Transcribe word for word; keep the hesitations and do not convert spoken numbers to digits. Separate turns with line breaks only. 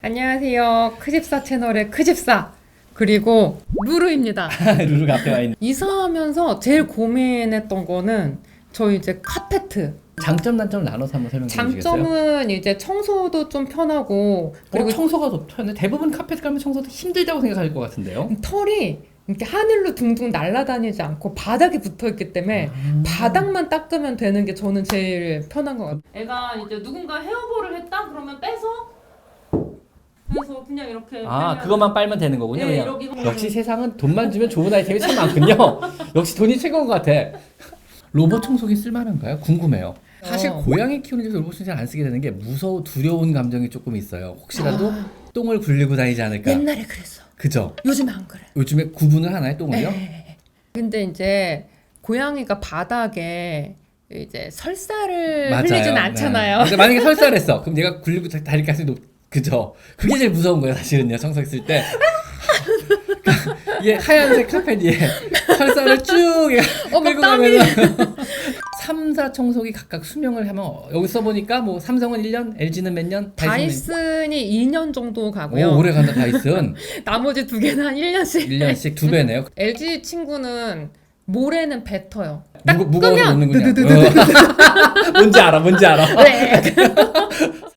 안녕하세요. 크집사 채널의 크집사 그리고 루루입니다.
루루가 앞에 와 있는.
이사하면서 제일 고민했던 거는 저희 이제 카페트.
장점 단점 나눠서 한번 설명해 주시겠어요?
장점은 이제 청소도 좀 편하고 그리고
어, 청소가 더 편해. 대부분 카페트 가면 청소도 힘들다고 생각할 것 같은데요.
털이 이렇게 하늘로 둥둥 날아다니지 않고 바닥에 붙어있기 때문에
음.
바닥만 닦으면 되는 게 저는 제일 편한 것 같아요. 애가 이제 누군가 헤어볼을 했다 그러면 빼서 그래서 그냥 이렇게
아,
빼면-
그것만 빨면 되는 거군요.
네,
그냥.
이러기-
역시 세상은 돈만 주면 좋은 아이템이 참 많군요. 역시 돈이 최고인 것 같아. 로봇 청소기 쓸만한가요? 궁금해요. 사실
어.
고양이 키우는 데서 로봇 청소기 안 쓰게 되는 게 무서워 두려운 감정이 조금 있어요. 혹시라도
아.
똥을 굴리고 다니지 않을까.
옛날에 그랬어.
그죠?
요즘 안 그래.
요즘에 구분을 하나요, 똥을요?
네. 근데 이제 고양이가 바닥에 이제 설사를 흘리진 않잖아요.
네. 근데 만약에 설사를 했어. 그럼 얘가 굴리고 다닐 가능성이 높. 그죠? 그게 제일 무서운 거예요, 사실은요. 청소했을 때. 이게 하얀색 카펫 위에 설사를 쭉
어, 막
끌고
땀이.
가면서 삼 사 청소기 각각 수명을 하면 여기 써보니까 뭐 삼성은 일 년, 엘지는 몇 년?
다이슨이 이 년 정도 가고요.
오, 오래 간다 다이슨.
나머지 두 개는 한 일 년씩.
일 년씩 두 배네요.
엘지 친구는 모래는 뱉어요.
무거, 무거워서
끄면
놓는군요.
드드드드드.
어. 뭔지 알아, 뭔지 알아.
네.